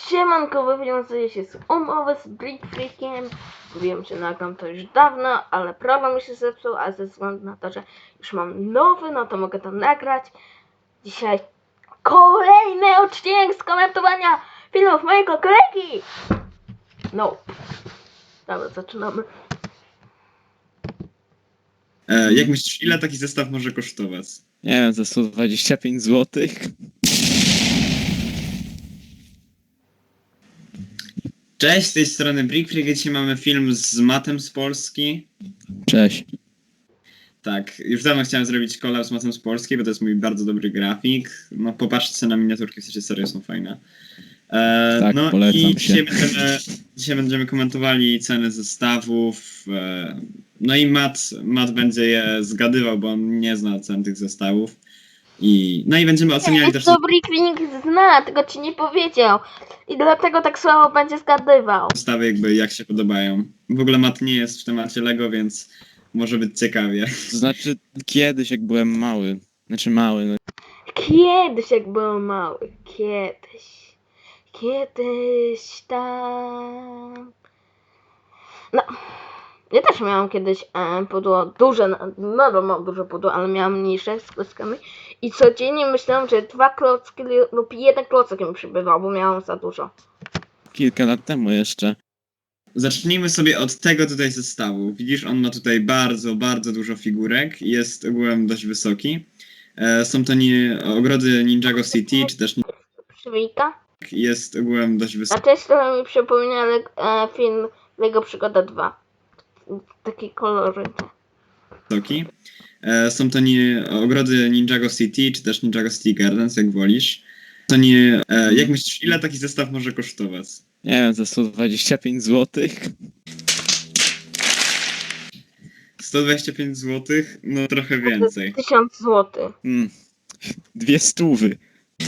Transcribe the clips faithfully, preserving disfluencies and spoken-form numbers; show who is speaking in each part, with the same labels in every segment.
Speaker 1: Siemanko, wywiązuję się z umowy z Brick Freakiem. Wiem, że nagram to już dawno, ale program mi się zepsuł, a ze względu na to, że już mam nowy, no to mogę to nagrać. Dzisiaj kolejny odcinek z komentowania filmów mojego kolegi. No. Dobra, zaczynamy.
Speaker 2: E, jak myślisz, ile taki zestaw może kosztować?
Speaker 3: Nie wiem, za sto dwadzieścia pięć złotych.
Speaker 2: Cześć, z tej strony Brick Freak. Dzisiaj mamy film z Matem z Polski.
Speaker 3: Cześć.
Speaker 2: Tak, już dawno chciałem zrobić collab z Matem z Polski, bo to jest mój bardzo dobry grafik. No popatrzcie na miniaturki, w sensie serio są fajne. E,
Speaker 3: Tak,
Speaker 2: no
Speaker 3: polecam
Speaker 2: i
Speaker 3: się.
Speaker 2: dzisiaj będziemy, dzisiaj będziemy komentowali ceny zestawów. E, no i Mat, Mat będzie je zgadywał, bo on nie zna cen tych zestawów. I, no i będziemy oceniali też...
Speaker 1: To Brick Freak zna, tego ci nie powiedział. I dlatego tak słabo będzie zgadywał.
Speaker 2: Zestawy jakby jak się podobają. W ogóle Mat nie jest w temacie Lego, więc może być ciekawie.
Speaker 3: To znaczy, kiedyś jak byłem mały, znaczy mały, no,
Speaker 1: Kiedyś jak byłem mały, kiedyś, kiedyś tam. No, ja też miałam kiedyś e, pudło duże, nadal mam duże pudło, ale miałam mniejsze z klockami. I codziennie myślałam, że dwa klocki lub jeden klocek mi przybywał, bo miałam za dużo.
Speaker 3: kilka lat temu jeszcze.
Speaker 2: Zacznijmy sobie od tego tutaj zestawu. Widzisz, on ma tutaj bardzo, bardzo dużo figurek. Jest ogółem dość wysoki. E, są to nie, ogrody Ninjago City, czy też
Speaker 1: Przywika.
Speaker 2: jest ogółem dość
Speaker 1: A też trochę mi przypomina e, film Lego Przygoda dwa. Takie kolory.
Speaker 2: wysoki. E, są to nie, ogrody Ninjago City, czy też Ninjago City Gardens, jak wolisz. To nie, e, jak myślisz, ile taki zestaw może kosztować?
Speaker 3: Nie wiem, za sto dwadzieścia pięć złotych.
Speaker 2: sto dwadzieścia pięć złotych? No trochę więcej.
Speaker 1: tysiąc złotych.
Speaker 3: Hmm. Dwie stówy.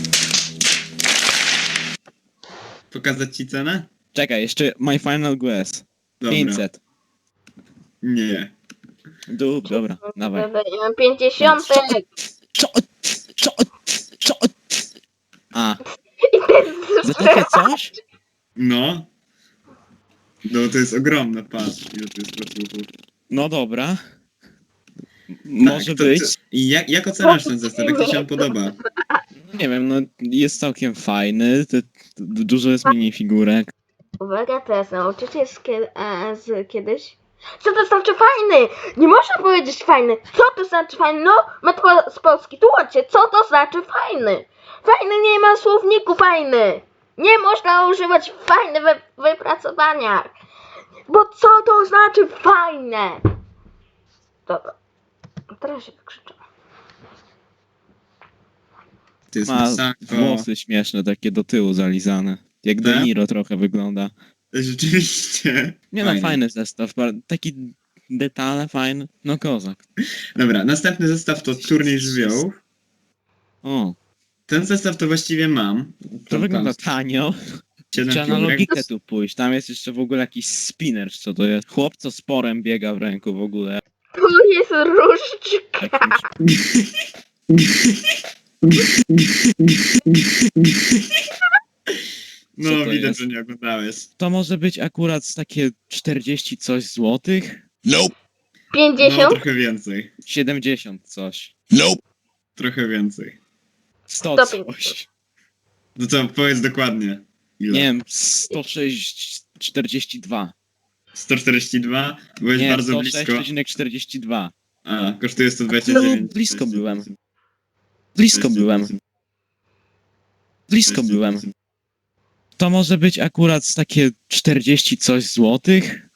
Speaker 2: Pokazać ci cenę?
Speaker 3: Czekaj, jeszcze my final guess.
Speaker 2: Dobra.
Speaker 3: pięćset.
Speaker 2: Nie.
Speaker 3: Dup, dobra, dawaj.
Speaker 1: Ja mam pięćdziesiąt.
Speaker 3: Co? Co? Co? A,
Speaker 1: I ten
Speaker 3: za takie coś?
Speaker 2: No. No to jest ogromne, patrz, ile to jest placuchów.
Speaker 3: No dobra. Może
Speaker 2: Tak, to
Speaker 3: być.
Speaker 2: ty- I jak, jak oceniasz ten zestaw? Jak ci się on podoba?
Speaker 3: Nie wiem, no jest całkiem fajny. Te, du- dużo jest minifigurek.
Speaker 1: Uwaga, teraz nauczycie z, kie- a, z kiedyś. Co to znaczy fajny? Nie można powiedzieć fajny. Co to znaczy fajny? No, matko z Polski, tłumaczcie, co to znaczy fajny? Fajny nie ma słowniku fajny. Nie można używać fajny we w wypracowaniach. Bo co to znaczy fajne? Dobra. Teraz się wykrzyczę.
Speaker 2: To jest
Speaker 3: Ma
Speaker 2: masako.
Speaker 3: włosy śmieszne, takie do tyłu zalizane. Jak De
Speaker 2: Tak?
Speaker 3: Niro trochę wygląda.
Speaker 2: Rzeczywiście.
Speaker 3: Nie no, fajny zestaw. ba- Taki detale fajny. No kozak.
Speaker 2: Dobra, następny zestaw to turniej żywiołów.
Speaker 3: O,
Speaker 2: Ten zestaw to właściwie mam.
Speaker 3: to
Speaker 2: Tam-
Speaker 3: wygląda
Speaker 2: tam
Speaker 3: tanio.
Speaker 2: siedem
Speaker 3: Trzeba na
Speaker 2: figurek.
Speaker 3: logikę tu pójść. Tam jest jeszcze w ogóle jakiś spinner, czy co to jest. Chłop, co z porem biega w ręku w ogóle.
Speaker 1: Tu jest różdżka.
Speaker 3: Jakimś...
Speaker 2: No,
Speaker 3: Co to
Speaker 2: widać,
Speaker 3: jest?
Speaker 2: że nie oglądałeś.
Speaker 3: To może być akurat z takie czterdzieści coś złotych?
Speaker 2: No,
Speaker 1: pięćdziesiąt?
Speaker 2: trochę więcej.
Speaker 3: siedemdziesiąt coś.
Speaker 2: Trochę więcej.
Speaker 3: sto
Speaker 1: sto
Speaker 3: coś.
Speaker 1: pięćdziesiąt.
Speaker 2: No co, powiedz dokładnie. Ile?
Speaker 3: Nie wiem, sto sześć czterdzieści dwa.
Speaker 2: sto czterdzieści dwa? Byłeś
Speaker 3: Nie,
Speaker 2: bardzo
Speaker 3: sto
Speaker 2: blisko.
Speaker 3: sześć przecinek czterdzieści dwa.
Speaker 2: A, kosztuje sto dwadzieścia dziewięć.
Speaker 3: No, blisko byłem. Blisko byłem. Blisko byłem. To może być akurat z takie czterdzieści coś złotych?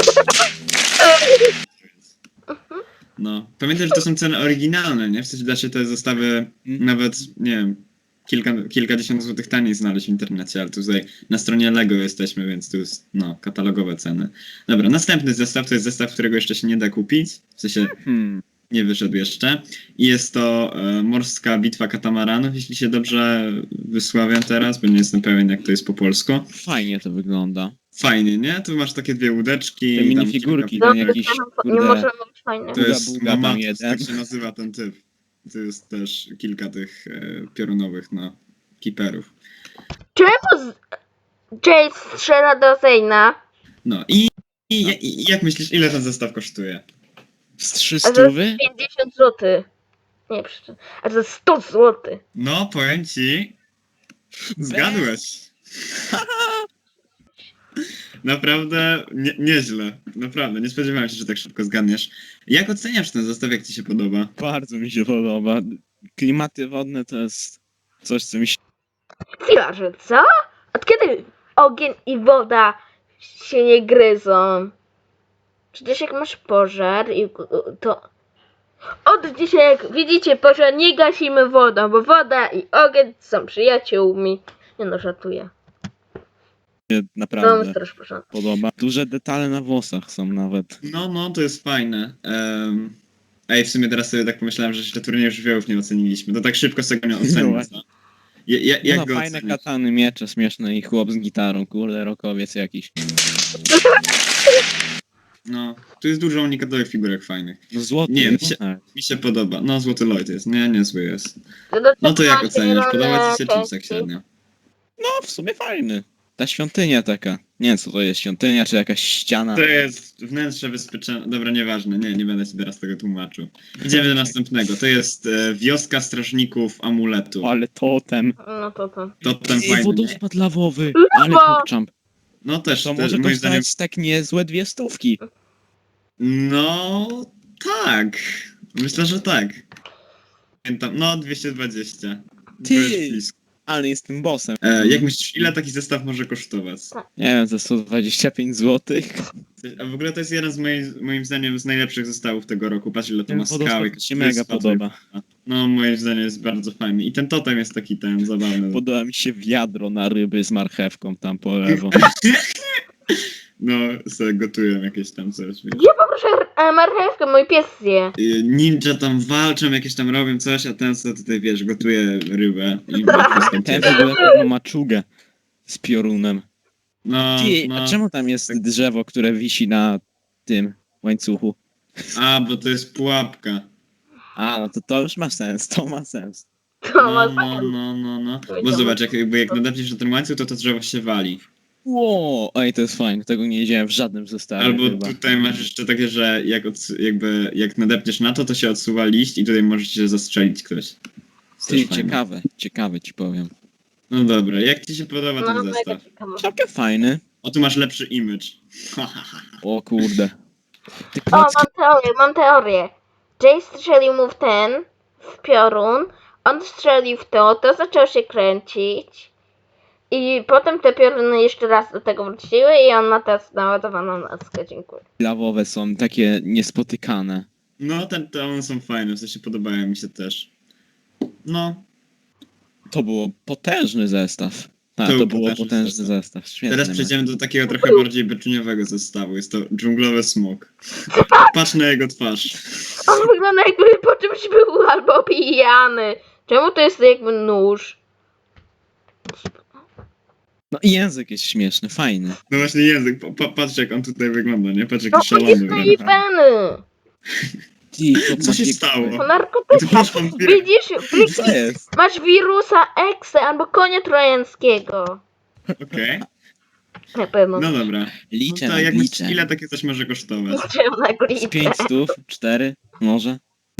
Speaker 2: No, pamiętaj, że to są ceny oryginalne, nie? W sensie da się te zestawy
Speaker 3: Mm.
Speaker 2: nawet, nie wiem, kilka, kilkadziesiąt złotych taniej znaleźć w internecie, ale tutaj na stronie Lego jesteśmy, więc tu jest, no, katalogowe ceny. Dobra, następny zestaw to jest zestaw, którego jeszcze się nie da kupić, w sensie
Speaker 3: Hmm.
Speaker 2: nie wyszedł jeszcze. I jest to e, Morska Bitwa Katamaranów, jeśli się dobrze wysławiam teraz, bo nie jestem pewien, jak to jest po polsku.
Speaker 3: Fajnie to wygląda.
Speaker 2: Fajnie, nie? Tu masz takie dwie łódeczki.
Speaker 3: Te
Speaker 2: i tam
Speaker 3: minifigurki,
Speaker 2: kilka-
Speaker 3: ten jakiś,
Speaker 1: nie
Speaker 3: kurde,
Speaker 1: może być fajny.
Speaker 2: To jest
Speaker 3: Buga, buga tam
Speaker 2: Mamatus,
Speaker 3: jeden.
Speaker 2: tak się nazywa ten typ. To jest też kilka tych e, piorunowych, no, kiperów.
Speaker 1: Czemu z... Jace strzela do Zayna.
Speaker 2: No i, i, i jak myślisz, ile ten zestaw kosztuje?
Speaker 3: Z trzy
Speaker 1: A to
Speaker 3: stówy?
Speaker 1: jest pięćdziesiąt złotych. Nie, przepraszam. A to jest sto złotych.
Speaker 2: No, powiem ci, zgadłeś. Naprawdę nie, nieźle. Naprawdę, nie spodziewałem się, że tak szybko zgadniesz. Jak oceniasz ten zestaw, jak ci się podoba?
Speaker 3: Bardzo mi się podoba. Klimaty wodne to jest coś, co mi się
Speaker 1: Chwila, że co? Od kiedy ogień i woda się nie gryzą? Przecież jak masz pożar i to... Od dzisiaj, jak widzicie pożar, nie gasimy wodą, bo woda i ogień są przyjaciółmi. Nie no, żartuję. No,
Speaker 3: naprawdę
Speaker 1: straż pożarna.
Speaker 3: podoba. Duże detale na włosach są nawet.
Speaker 2: No, no, to jest fajne. Um, ej, w sumie teraz sobie tak pomyślałem, że jeszcze turnieju żywiołów nie oceniliśmy. To tak szybko sobie nie
Speaker 3: No
Speaker 2: ocenię.
Speaker 3: właśnie.
Speaker 2: Ja, ja, jak
Speaker 3: No
Speaker 2: go
Speaker 3: fajne
Speaker 2: oceniasz?
Speaker 3: katany, miecze śmieszne i chłop z gitarą, kurde, rokowiec jakiś.
Speaker 2: No, tu jest dużo unikatowych figurek fajnych.
Speaker 3: No złoty.
Speaker 2: Nie,
Speaker 3: no
Speaker 2: mi się-
Speaker 3: tak.
Speaker 2: Mi się podoba. No, Złoty Lloyd jest. Nie, niezły jest.
Speaker 1: Do
Speaker 2: No to jak
Speaker 1: macie
Speaker 2: oceniasz? Podoba ci się
Speaker 1: zielone
Speaker 2: czy tak
Speaker 1: części.
Speaker 2: średnio?
Speaker 3: No w sumie fajny. Ta świątynia taka. Nie wiem co to jest, świątynia czy jakaś ściana.
Speaker 2: To jest wnętrze wyspyczone. Dobra, nieważne, nie, nie będę ci teraz tego tłumaczył. Idziemy do następnego. To jest e, wioska strażników amuletu.
Speaker 3: Ale totem.
Speaker 1: No to to.
Speaker 2: To ten
Speaker 3: I
Speaker 2: fajny. nie?
Speaker 3: wodospad lawowy.
Speaker 1: Lawa!
Speaker 3: Ale pokczamp.
Speaker 2: No też,
Speaker 3: To
Speaker 2: też
Speaker 3: może
Speaker 2: moim zdaniem.
Speaker 3: kosztować tak niezłe dwie stówki.
Speaker 2: No tak. Myślę, że tak. Pamiętam, no dwieście dwadzieścia.
Speaker 3: Ty!
Speaker 2: Byłeś blisko.
Speaker 3: Ale jestem bossem.
Speaker 2: E, jak myślisz, ile taki zestaw może kosztować?
Speaker 3: Nie wiem, za sto dwadzieścia pięć złotych.
Speaker 2: A w ogóle to jest jeden z moich, moim zdaniem z najlepszych zestawów tego roku. Patrz ile to
Speaker 3: Ten
Speaker 2: ma skał.
Speaker 3: wodospad
Speaker 2: jak
Speaker 3: mi się mega
Speaker 2: wyspa,
Speaker 3: podoba.
Speaker 2: No moim zdaniem jest bardzo fajny. I ten totem jest taki ten zabawny.
Speaker 3: Podoba mi się wiadro na ryby z marchewką tam po lewo.
Speaker 2: No, sobie gotują jakieś tam coś. wiesz.
Speaker 1: Ja poproszę e, marchewkę, mój pies zje.
Speaker 2: Y, Ninja tam walczą, jakieś tam robią coś, a ten co tutaj wiesz, gotuje rybę i wszystko
Speaker 3: Ten w
Speaker 2: piecze.
Speaker 3: ogóle pewno maczugę z piorunem.
Speaker 2: No,
Speaker 3: Ty,
Speaker 2: no.
Speaker 3: a czemu tam jest drzewo, które wisi na tym łańcuchu?
Speaker 2: A, bo to jest pułapka.
Speaker 3: A, no to to już ma sens, to ma sens.
Speaker 1: To
Speaker 2: No,
Speaker 1: ma
Speaker 2: no, no, no, no. Bo
Speaker 1: Powiedziałem.
Speaker 2: zobacz, jak, jakby jak nadepniesz na ten łańcuch, to to drzewo się wali.
Speaker 3: Ło, ej, to jest fajne, tego nie wiedziałem w żadnym zestawie
Speaker 2: Albo
Speaker 3: chyba.
Speaker 2: tutaj masz jeszcze takie, że jak, odsu- jakby, jak nadepniesz na to, to się odsuwa liść i tutaj możesz się zastrzelić ktoś. To jest
Speaker 3: Ty,
Speaker 2: też fajne.
Speaker 3: ciekawe, ciekawe ci powiem.
Speaker 2: No dobra, jak ci się podoba
Speaker 1: No,
Speaker 2: ten
Speaker 1: mega
Speaker 2: zestaw?
Speaker 1: ciekawe.
Speaker 3: Całkiem fajny.
Speaker 2: O, tu masz lepszy image.
Speaker 3: O kurde. Te
Speaker 1: O,
Speaker 3: klocki,
Speaker 1: mam teorię, mam teorię. Jay strzelił mu w ten, w piorun, on strzelił w to, to zaczął się kręcić i potem te pioruny jeszcze raz do tego wróciły i on ma teraz naładowaną laskę, dziękuję.
Speaker 3: lawowe są takie niespotykane.
Speaker 2: No, ten, te one są fajne, w sensie podobają mi się też. No,
Speaker 3: To było potężny zestaw. A,
Speaker 2: To
Speaker 3: to,
Speaker 2: był
Speaker 3: było
Speaker 2: potężny
Speaker 3: potężny
Speaker 2: zestaw.
Speaker 3: zestaw. Świetny.
Speaker 2: teraz
Speaker 3: mecz.
Speaker 2: przejdziemy do takiego trochę bardziej beczuniowego zestawu. Jest to dżunglowy smok. Patrz na jego twarz.
Speaker 1: On wygląda jakby po czymś był albo pijany. Czemu to jest jakby nóż?
Speaker 3: No i język jest śmieszny, fajny.
Speaker 2: No właśnie język, pa, pa, patrz jak on tutaj wygląda, nie? Patrz
Speaker 1: No
Speaker 2: jaki
Speaker 1: to
Speaker 2: szalony
Speaker 1: jest
Speaker 2: wręcz.
Speaker 1: naiwny.
Speaker 3: Ty, to
Speaker 2: Co się
Speaker 3: takie-
Speaker 2: stało?
Speaker 1: To narkotyki.
Speaker 2: To masz wampirę.
Speaker 1: Widzisz, Bliki,
Speaker 3: Co jest?
Speaker 1: masz wirusa Exe albo konia trojańskiego.
Speaker 2: Okej,
Speaker 1: Na pewno.
Speaker 2: no dobra. No
Speaker 3: Liczę,
Speaker 2: to
Speaker 3: no,
Speaker 2: jak myślisz,
Speaker 3: liczę.
Speaker 2: ile takie coś może kosztować?
Speaker 1: Liczyłem na
Speaker 3: Z
Speaker 1: glitę.
Speaker 3: pięć stów, cztery, może?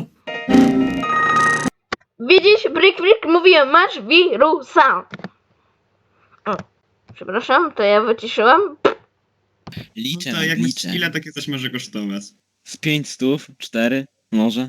Speaker 1: Widzisz, Brick Brick, mówiłem, masz wirusa. O, przepraszam, to ja wyciszyłam.
Speaker 3: Liczę,
Speaker 2: No
Speaker 3: no,
Speaker 2: to jak
Speaker 3: liczę.
Speaker 2: myślisz, ile takie coś może kosztować?
Speaker 3: Z pięć stów, cztery, może?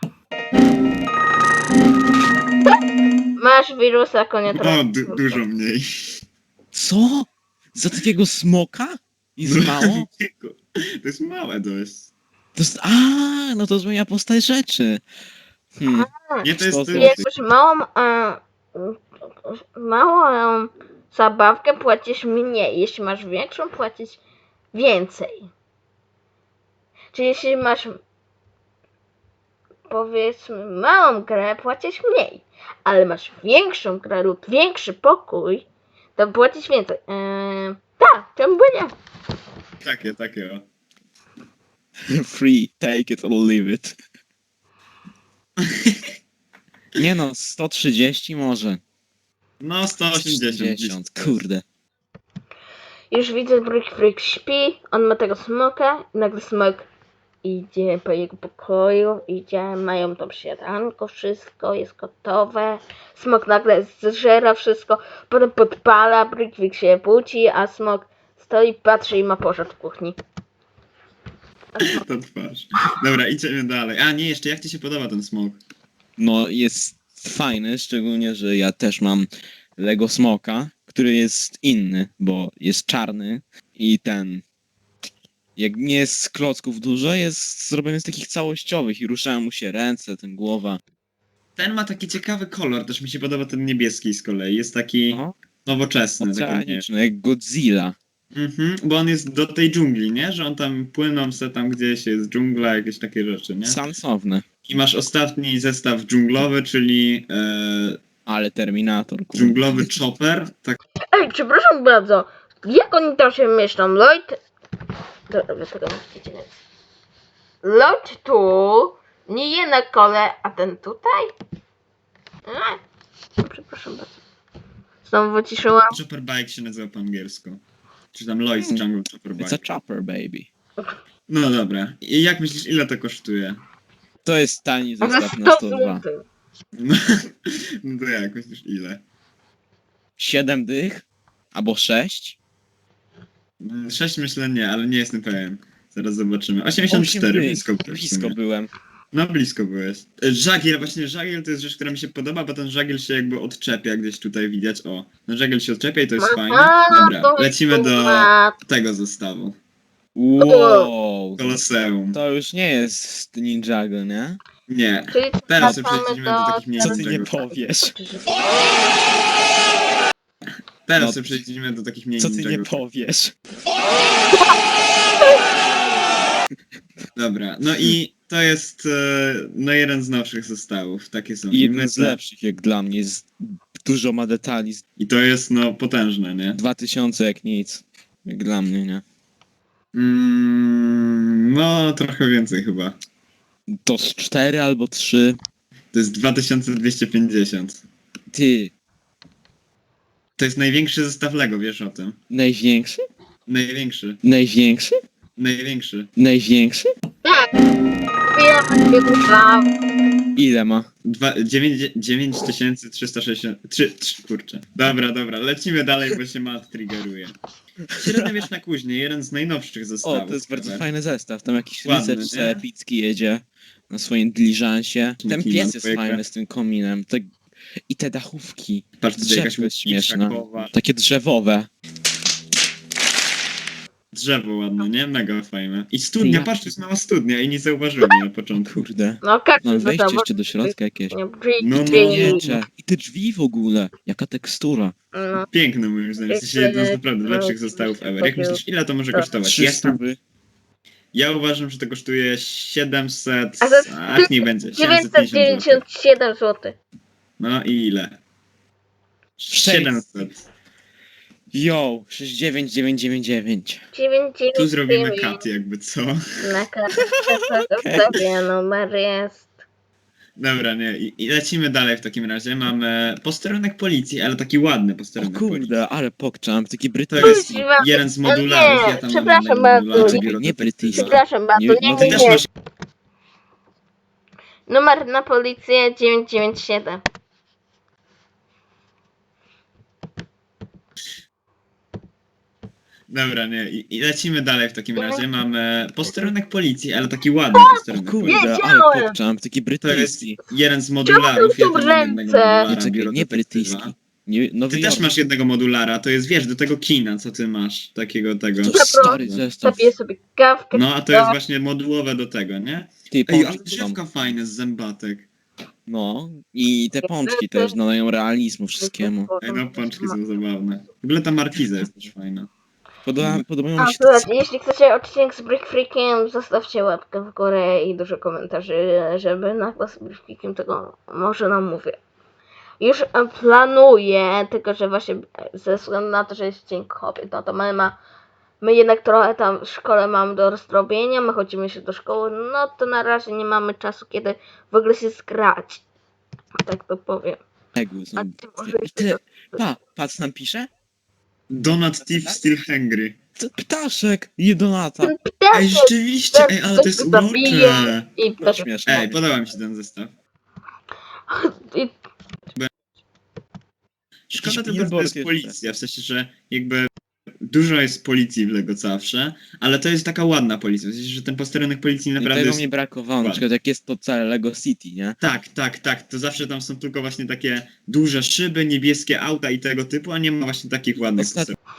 Speaker 1: Masz wirusa konia
Speaker 2: O, du
Speaker 1: trojańskiego.
Speaker 2: dużo mniej.
Speaker 3: Co? Za takiego smoka? I z mało?
Speaker 2: To jest małe dość.
Speaker 3: To jest... A, no to zmienia postać rzeczy. Hmm.
Speaker 2: Nie, to jest...
Speaker 3: Sto
Speaker 2: To
Speaker 1: I
Speaker 2: jest
Speaker 1: jak masz małą, e, małą e, zabawkę, płacisz mniej. Jeśli masz większą, płacisz więcej. Czyli jeśli masz, powiedzmy, małą grę, płacisz mniej. Ale masz większą grę lub większy pokój, to płacisz więcej. E, tak, czemu by nie?
Speaker 2: takie, takie o.
Speaker 3: Free, take it or leave it. Nie no, sto trzydzieści może.
Speaker 2: No, sto osiemdziesiąt.
Speaker 3: sto trzydzieści, kurde.
Speaker 1: Już widzę, Brick Freak śpi, on ma tego smoka i nagle smok idzie po jego pokoju, idzie, mają tam śniadanko, wszystko jest gotowe. Smok nagle zżera wszystko, potem podpala, Brick Freak się budzi, a smok stoi, patrzy i ma pożar w kuchni.
Speaker 2: To twarz. Dobra, idziemy dalej. A nie, jeszcze jak ci się podoba ten smok?
Speaker 3: No jest fajny, szczególnie, że ja też mam Lego Smoka, który jest inny, bo jest czarny i ten... Jak nie jest z klocków dużo, jest zrobiony z takich całościowych i ruszają mu się ręce, ten głowa.
Speaker 2: Ten ma taki ciekawy kolor, też mi się podoba ten niebieski z kolei. Jest taki
Speaker 3: No,
Speaker 2: nowoczesny. Taki, nie,
Speaker 3: oceaniczny, jak Godzilla.
Speaker 2: mhm, bo on jest do tej dżungli, nie? Że on tam płyną se tam gdzieś, jest dżungla, jakieś takie rzeczy, nie?
Speaker 3: Sansowny.
Speaker 2: I masz ostatni zestaw dżunglowy, czyli e,
Speaker 3: Ale Terminator, kurde.
Speaker 2: dżunglowy chopper. Tak,
Speaker 1: Ej, przepraszam bardzo, jak oni tam się mieszczą? Lloyd... Dobra, wy tego nie widzicie, więc... Lloyd tu, nie je na kole, a ten tutaj? A, no, przepraszam bardzo. Znowu wyciszyłam.
Speaker 2: chopper bike się nazywa po angielsku. Czy tam Lloyd's Jungle Chopper
Speaker 3: It's
Speaker 2: Bike.
Speaker 3: a chopper, baby.
Speaker 2: No dobra. I jak myślisz, ile to kosztuje?
Speaker 3: To jest tani
Speaker 1: Za
Speaker 3: zestaw na
Speaker 1: sto
Speaker 3: sto dwa.
Speaker 1: złotych.
Speaker 2: No, no to jak myślisz, ile?
Speaker 3: siedem dych? Albo sześć?
Speaker 2: Mm, sześć myślę nie, ale nie jestem pewien. Zaraz zobaczymy. osiemdziesiąt cztery,
Speaker 3: osiem dych.
Speaker 2: blisko byłeś. w
Speaker 3: Blisko
Speaker 2: sumie.
Speaker 3: byłem.
Speaker 2: No blisko byłeś. E, Żagiel, właśnie żagiel to jest rzecz, która mi się podoba, bo ten żagiel się jakby odczepia, gdzieś tutaj widać. O, no żagiel się odczepia i to jest fajne.
Speaker 1: Aha,
Speaker 2: Dobra,
Speaker 1: to
Speaker 2: lecimy do
Speaker 1: chyba-
Speaker 2: tego zestawu.
Speaker 3: Wow.
Speaker 2: Koloseum.
Speaker 3: To już nie jest Ninjago, nie?
Speaker 2: Nie.
Speaker 1: Czyli
Speaker 2: Teraz sobie
Speaker 1: wracamy
Speaker 2: przejdziemy do takich mniejszych
Speaker 3: Co ty nie
Speaker 2: Ninjago.
Speaker 3: powiesz?
Speaker 2: Teraz
Speaker 3: No,
Speaker 2: sobie przejdziemy do takich mniej
Speaker 3: Co ty nie
Speaker 2: Ninjago.
Speaker 3: powiesz?
Speaker 2: Dobra, no i to jest e, no jeden z nowszych zestawów. Takie są
Speaker 3: I jeden z
Speaker 2: limity.
Speaker 3: lepszych jak dla mnie. Jest, dużo ma detali.
Speaker 2: I to jest no potężne, nie?
Speaker 3: dwa tysiące jak nic. Jak dla mnie, nie?
Speaker 2: Mm, no trochę więcej chyba.
Speaker 3: To z cztery albo trzy.
Speaker 2: To jest dwa tysiące dwieście pięćdziesiąt.
Speaker 3: Ty,
Speaker 2: To jest największy zestaw Lego, wiesz o tym?
Speaker 3: największy?
Speaker 2: Największy.
Speaker 3: Największy?
Speaker 2: Największy.
Speaker 3: Największy?
Speaker 1: Ja będzie dłuża.
Speaker 3: Ile ma?
Speaker 2: dziewięć tysięcy trzysta sześćdziesiąt trzy, trzy, kurczę. Dobra, dobra, lecimy dalej, bo się mat triggeruje. Średniowieczna kuźnia, jeden z najnowszych
Speaker 3: O,
Speaker 2: zestawów.
Speaker 3: to jest bardzo
Speaker 2: ever.
Speaker 3: fajny zestaw. Tam jakiś
Speaker 2: Ładny,
Speaker 3: rycerz
Speaker 2: nie?
Speaker 3: se epicki jedzie na swoim diliżansie. Ten
Speaker 2: Kliman
Speaker 3: pies jest
Speaker 2: dwójka.
Speaker 3: fajny z tym kominem. Te... I te dachówki.
Speaker 2: Patrz, tutaj jakaś
Speaker 3: Drzewko jest śmieszne.
Speaker 2: krzakowa.
Speaker 3: Takie drzewowe.
Speaker 2: Drzewo ładne, nie? Mega fajne. I studnia,
Speaker 3: Ja-
Speaker 2: patrz, to jest mała studnia i nie zauważyłem jej na początku.
Speaker 3: Kurde.
Speaker 1: No każdy
Speaker 3: Mam
Speaker 1: za
Speaker 3: wejście
Speaker 1: to,
Speaker 3: jeszcze do środka jakieś.
Speaker 1: Nie,
Speaker 2: No, no.
Speaker 3: Wiecze. I te drzwi w ogóle. Jaka tekstura.
Speaker 1: No,
Speaker 2: Piękne moim zdaniem, w sensie jeden z naprawdę lepszych zestawów ever. Jak myślisz, ile to może
Speaker 1: Tak.
Speaker 2: kosztować?
Speaker 3: Trzy
Speaker 2: Ja, tam,
Speaker 3: stówy.
Speaker 2: ja uważam, że to kosztuje siedemset,
Speaker 1: A to jest
Speaker 2: ach niech będzie,
Speaker 1: dziewięćset
Speaker 2: siedemset pięćdziesiąt złotych.
Speaker 1: dziewięćdziesiąt siedem złotych.
Speaker 2: No i ile? siedemset.
Speaker 3: Yo, sześć dziewięć dziewięć dziewięć dziewięć.
Speaker 1: dziewięć dziewięć
Speaker 2: Tu zrobimy
Speaker 1: dziewięć.
Speaker 2: kat jakby co.
Speaker 1: Na kartce sobie numer jest.
Speaker 2: Dobra, nie, i, i lecimy dalej w takim razie. Mamy posterunek policji, ale taki ładny
Speaker 3: O
Speaker 2: posterunek policji.
Speaker 3: kurde, ale pokczam. Taki
Speaker 2: To
Speaker 3: brytyjski.
Speaker 2: jest
Speaker 1: Kuźwa.
Speaker 2: jeden z
Speaker 1: Nie,
Speaker 2: modularów. Ja tam
Speaker 1: przepraszam
Speaker 2: mam
Speaker 1: bardzo.
Speaker 2: modularze
Speaker 3: Czekaj,
Speaker 2: biuro
Speaker 3: nie
Speaker 2: detektywa.
Speaker 3: brytyjski.
Speaker 1: Przepraszam bardzo,
Speaker 3: Nie,
Speaker 1: nie,
Speaker 3: no
Speaker 2: Ty
Speaker 1: nie,
Speaker 2: też
Speaker 1: nie.
Speaker 2: masz.
Speaker 1: Numer na policję dziewięćset dziewięćdziesiąt siedem.
Speaker 2: Dobra, nie, i, i lecimy dalej w takim razie. Mamy posterunek policji, ale taki ładny
Speaker 3: O
Speaker 2: posterunek
Speaker 3: kurde,
Speaker 2: policji.
Speaker 3: ale
Speaker 1: wiedziałem.
Speaker 3: pokczam. Taki
Speaker 2: To jest
Speaker 3: brytyjski.
Speaker 2: jeden z modularów.
Speaker 1: Czemu
Speaker 2: Ja
Speaker 1: tu
Speaker 2: tam mam jednego
Speaker 1: ręce?
Speaker 2: modulara,
Speaker 3: Nie, czekaj,
Speaker 2: biuro
Speaker 3: nie
Speaker 2: detektywa.
Speaker 3: brytyjski. Nie, Nowy
Speaker 2: Ty
Speaker 3: Jork.
Speaker 2: też masz jednego modulara, to jest, wiesz, do tego kina, co ty masz, takiego tego.
Speaker 3: To
Speaker 1: Dobra.
Speaker 3: stary zestaw.
Speaker 1: Zapiję sobie kawkę.
Speaker 2: No, a to jest właśnie modułowe do tego, nie?
Speaker 3: Ty,
Speaker 2: Ej,
Speaker 3: pączki
Speaker 2: ale
Speaker 3: są.
Speaker 2: drzewka fajne z zębatek.
Speaker 3: No, i te pączki też nadają realizmu wszystkiemu.
Speaker 2: Ej, no, pączki są zabawne. W ogóle ta markiza jest też fajna.
Speaker 3: Podoba, podobają
Speaker 1: A
Speaker 3: mi się te...
Speaker 1: słuchajcie, jeśli chcecie odcinek z Brick Freakiem, zostawcie łapkę w górę i dużo komentarzy, żeby na głos z Brick Freakiem tego może nam mówię. Już e, planuję, tylko że właśnie ze względu na to, że jest Dzień Kobiet, no to my, ma, my jednak trochę tam w szkole mamy do rozrobienia, my chodzimy się do szkoły, no to na razie nie mamy czasu, kiedy w ogóle się zgrać. Tak to powiem.
Speaker 3: Egu, są...
Speaker 1: A ty może
Speaker 3: I ty... Pa, patrz nam pisze?
Speaker 2: Donut Thief Still Hungry.
Speaker 3: To ptaszek, jedonata.
Speaker 2: Ej,
Speaker 1: Ptaszek
Speaker 2: rzeczywiście, ej, ale to jest
Speaker 1: ktoś go zabije
Speaker 2: urocze.
Speaker 1: i
Speaker 3: To
Speaker 1: też...
Speaker 3: śmieszne.
Speaker 2: Ej, podoba mi się ten zestaw.
Speaker 1: I
Speaker 2: Szkoda
Speaker 3: Jakiś
Speaker 2: tylko, że to
Speaker 3: billboard
Speaker 2: jest
Speaker 3: jeszcze.
Speaker 2: policja, w sensie, że jakby dużo jest policji w Lego zawsze, ale to jest taka ładna policja, w sensie, że ten posterunek policji
Speaker 3: I
Speaker 2: naprawdę
Speaker 3: tego
Speaker 2: jest...
Speaker 3: mnie brakowało, na
Speaker 2: ładny.
Speaker 3: przykład jak jest to całe Lego City, nie?
Speaker 2: Tak, tak, tak, to zawsze tam są tylko właśnie takie duże szyby, niebieskie auta i tego typu, a nie ma właśnie takich ładnych
Speaker 3: Ostat-
Speaker 2: posterunków.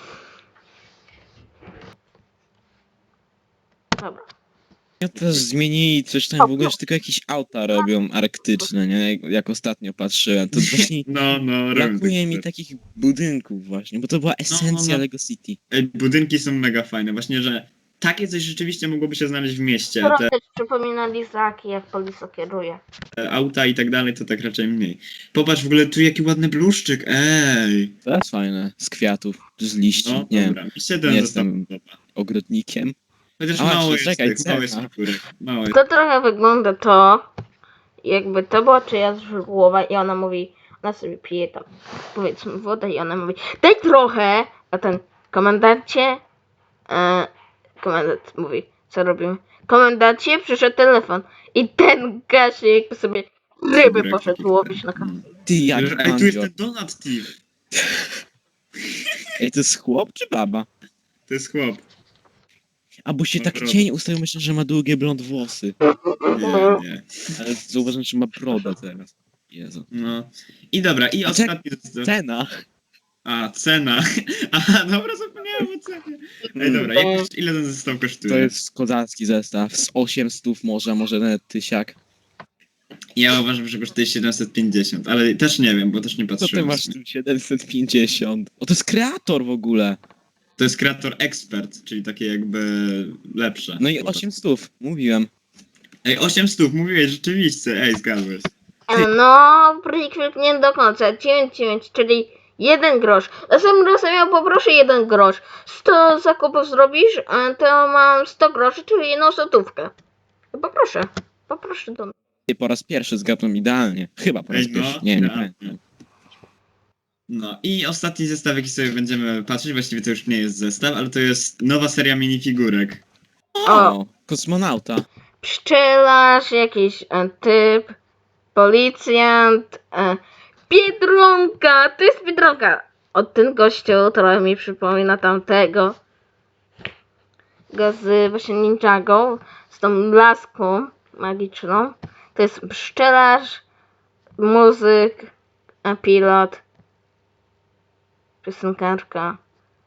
Speaker 1: dobra.
Speaker 3: Ja też zmienili coś tam w ogóle, że tylko jakieś auta robią arktyczne, nie? Jak, jak ostatnio patrzyłem, to właśnie
Speaker 2: No, no, robią
Speaker 3: brakuje
Speaker 2: takie
Speaker 3: mi
Speaker 2: rzeczy.
Speaker 3: takich budynków właśnie, bo to była esencja
Speaker 2: no.
Speaker 3: Lego City.
Speaker 2: Ej, budynki są mega fajne, właśnie, że takie coś rzeczywiście mogłoby się znaleźć w mieście, a
Speaker 1: Trochę
Speaker 2: te
Speaker 1: też przypomina lizaki, jak policja kieruje.
Speaker 2: auta i tak dalej to tak raczej mniej. Popatrz w ogóle tu jaki ładny bluszczyk, ej!
Speaker 3: To jest fajne, z kwiatów, z liści,
Speaker 2: No,
Speaker 3: nie
Speaker 2: dobra, mi się ten
Speaker 3: nie
Speaker 2: zestaw
Speaker 3: jestem-
Speaker 2: podoba.
Speaker 3: ogrodnikiem.
Speaker 2: Chociaż
Speaker 3: A,
Speaker 2: mało
Speaker 3: właśnie,
Speaker 2: jest
Speaker 3: czekaj,
Speaker 2: tych, mało jest
Speaker 3: cecha.
Speaker 2: figurek, mało jest.
Speaker 1: To trochę wygląda to, jakby to była czyjaś głowa i ona mówi, ona sobie pije tam, powiedzmy, wodę i ona mówi, daj trochę, a ten komendancie, e, komendant mówi, co robimy? Komendancie, przyszedł telefon i ten Gasiu jakby sobie ryby
Speaker 2: Figurek
Speaker 1: poszedł
Speaker 2: takich,
Speaker 1: łowić
Speaker 2: tak.
Speaker 1: na
Speaker 2: Mm.
Speaker 1: kasę.
Speaker 3: Ty, jak
Speaker 2: Ej, tu jest
Speaker 3: bandzio.
Speaker 2: ten Donut Thief!
Speaker 3: Ej, to jest chłop czy baba?
Speaker 2: To jest chłop.
Speaker 3: A bo się
Speaker 2: Ma
Speaker 3: tak
Speaker 2: brodę.
Speaker 3: cień ustawił, myślę, że ma długie blond włosy.
Speaker 2: Nie, nie.
Speaker 3: Ale zauważyłem, że ma brodę teraz. Jezu.
Speaker 2: No. I dobra, i
Speaker 3: A
Speaker 2: ostatni zestaw.
Speaker 3: Cena.
Speaker 2: A, cena. Aha, dobra, zapomniałem o cenie. Ej, dobra, jak, koszt- ile ten zestaw kosztuje?
Speaker 3: To jest kozacki zestaw. Z osiem stów może, może nawet tysiak.
Speaker 2: Ja uważam, że kosztuje siedemset pięćdziesiąt, ale też nie wiem, bo też nie
Speaker 3: Co ty
Speaker 2: patrzyłem.
Speaker 3: masz tu siedemset pięćdziesiąt? O, to jest kreator w ogóle.
Speaker 2: To jest kreator expert, czyli takie jakby lepsze.
Speaker 3: No i osiem stów, mówiłem.
Speaker 2: Ej, osiem stóp, mówiłeś rzeczywiście. Ej, zgadłeś.
Speaker 1: E, No, Brickfield nie do końca, dziewięć dziewięć, czyli jeden grosz. Następnym razem ja poproszę jeden grosz. sto zakupów zrobisz, a to mam sto groszy, czyli jedną złotówkę. Poproszę, poproszę do mnie.
Speaker 3: Ty po raz pierwszy zgadłem idealnie. Chyba po raz
Speaker 2: Ej, no,
Speaker 3: pierwszy. Nie, nie
Speaker 2: ja.
Speaker 3: pamiętam.
Speaker 2: No i ostatni zestaw, jaki sobie będziemy patrzeć, właściwie to już nie jest zestaw, ale to jest nowa seria minifigurek.
Speaker 3: O, kosmonauta.
Speaker 1: Pszczelarz, jakiś e, typ, policjant, e, Biedronka, to jest Biedronka. Od ten gościu trochę mi przypomina tamtego. Go z właśnie Ninjago, z tą laską magiczną. To jest pszczelarz, muzyk, a pilot, piosenkarka.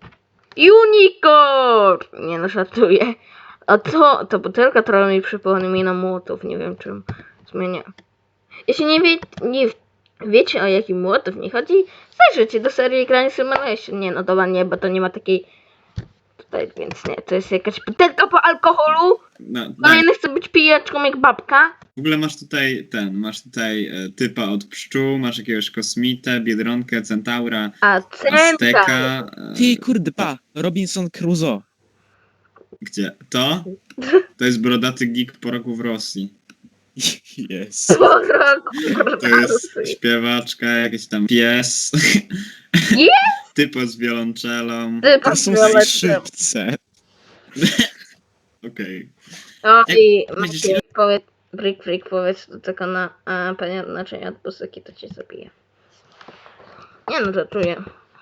Speaker 1: Unicorn! Nie no, żartuję. A to, to butelka trochę mi przypomina młotów, nie wiem czym zmienia. Jeśli nie, wie, nie wiecie, o jaki młotów mi chodzi, zajrzyjcie do serii Granny Simulation. Nie no, dobra, nie, bo to nie ma takiej tutaj, więc nie, to jest jakaś butelka po alkoholu.
Speaker 2: No, tak.
Speaker 1: Kolejny chce być pijaczką jak babka.
Speaker 2: W ogóle masz tutaj ten, masz tutaj e, typa od pszczół, masz jakiegoś kosmitę, biedronkę, centaura,
Speaker 1: A centra.
Speaker 2: azteka. E,
Speaker 3: Ty, kurde, pa. Robinson Crusoe.
Speaker 2: Gdzie? To? To jest brodaty geek po roku w Rosji.
Speaker 3: Yes.
Speaker 2: To jest śpiewaczka, jakiś tam pies.
Speaker 1: Jest?
Speaker 2: Typo z wiolonczelą.
Speaker 1: Ty
Speaker 3: To są
Speaker 1: patrzyłeś.
Speaker 3: szybce.
Speaker 2: Okej.
Speaker 1: O i
Speaker 2: Jak będziesz-
Speaker 1: Maciej, powiedz, Brick Freak, powiedz do tego na a, panie naczynia od pustyki, to cię zabije. Nie no, żartuję.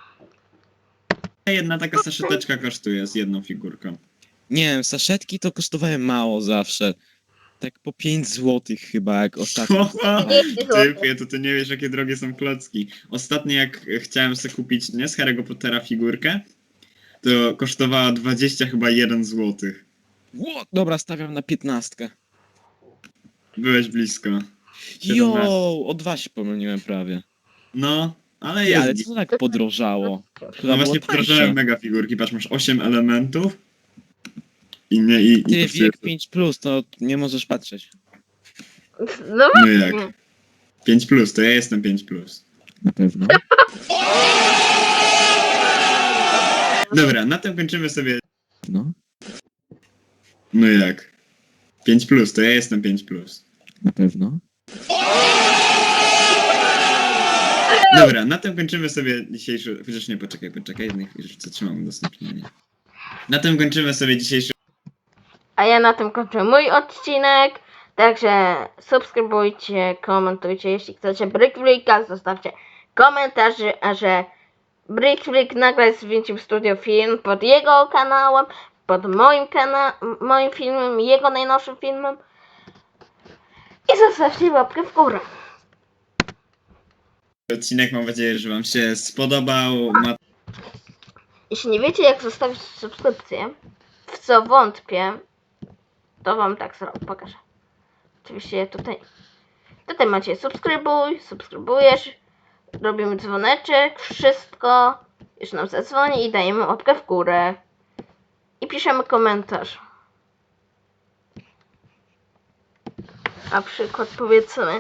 Speaker 2: Jedna taka saszeteczka kosztuje z jedną figurką.
Speaker 3: Nie wiem, saszetki to kosztowały mało zawsze. Tak po pięć złotych chyba, jak ostatnio.
Speaker 2: Typie, to ty nie wiesz, jakie drogie są klocki. Ostatnio jak chciałem sobie kupić, nie, z Harry'ego Pottera figurkę, to kosztowała dwadzieścia chyba jeden złotych.
Speaker 3: Ło, dobra, stawiam na piętnastkę.
Speaker 2: Byłeś blisko.
Speaker 3: Jo, o dwa się pomyliłem prawie.
Speaker 2: No, ale
Speaker 3: Ej,
Speaker 2: jest.
Speaker 3: ale co tak podrożało?
Speaker 2: No
Speaker 3: Chyba
Speaker 2: właśnie
Speaker 3: było
Speaker 2: wdrożyłem
Speaker 3: tańsze.
Speaker 2: mega figurki, patrz, masz osiem elementów i nie, i, i
Speaker 3: Ty,
Speaker 2: kosztuje
Speaker 3: wiek
Speaker 2: to-
Speaker 3: pięć plus, to nie możesz patrzeć.
Speaker 1: No
Speaker 2: No
Speaker 1: właśnie.
Speaker 2: jak? pięć plus, to ja jestem pięć plus.
Speaker 3: Na pewno.
Speaker 2: Dobra, na tym kończymy sobie.
Speaker 3: No,
Speaker 2: No jak? pięć plus, to ja jestem pięć plus.
Speaker 3: na pewno.
Speaker 2: Dobra, na tym kończymy sobie dzisiejszy... Chociaż nie, poczekaj, poczekaj, jednej chwili, że zatrzymam udostępnienie. Na tym kończymy sobie dzisiejszy...
Speaker 1: A ja na tym kończę mój odcinek. Także subskrybujcie, komentujcie. Jeśli chcecie Brick Freaka, zostawcie komentarze, a że Brick Freak nagle zwiększył studio film pod jego kanałem, pod moim kana moim filmem, jego najnowszym filmem. I zostawcie łapkę w górę.
Speaker 2: odcinek. Mam nadzieję, że wam się spodobał. Ma...
Speaker 1: Jeśli nie wiecie, jak zostawić subskrypcję, w co wątpię, to wam tak zrobię, pokażę. Oczywiście tutaj, tutaj macie subskrybuj, subskrybujesz, robimy dzwoneczek, wszystko, już nam zadzwoni i dajemy łapkę w górę. I piszemy komentarz. Na przykład powiedzmy,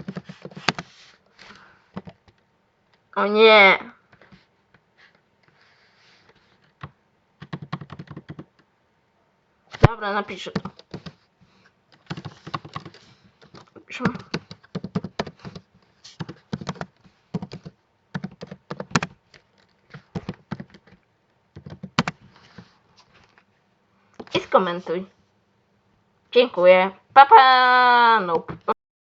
Speaker 1: o nie, dobra, napiszę to. Napiszę. I skomentuj. Dziękuję. Pa pa. Nope.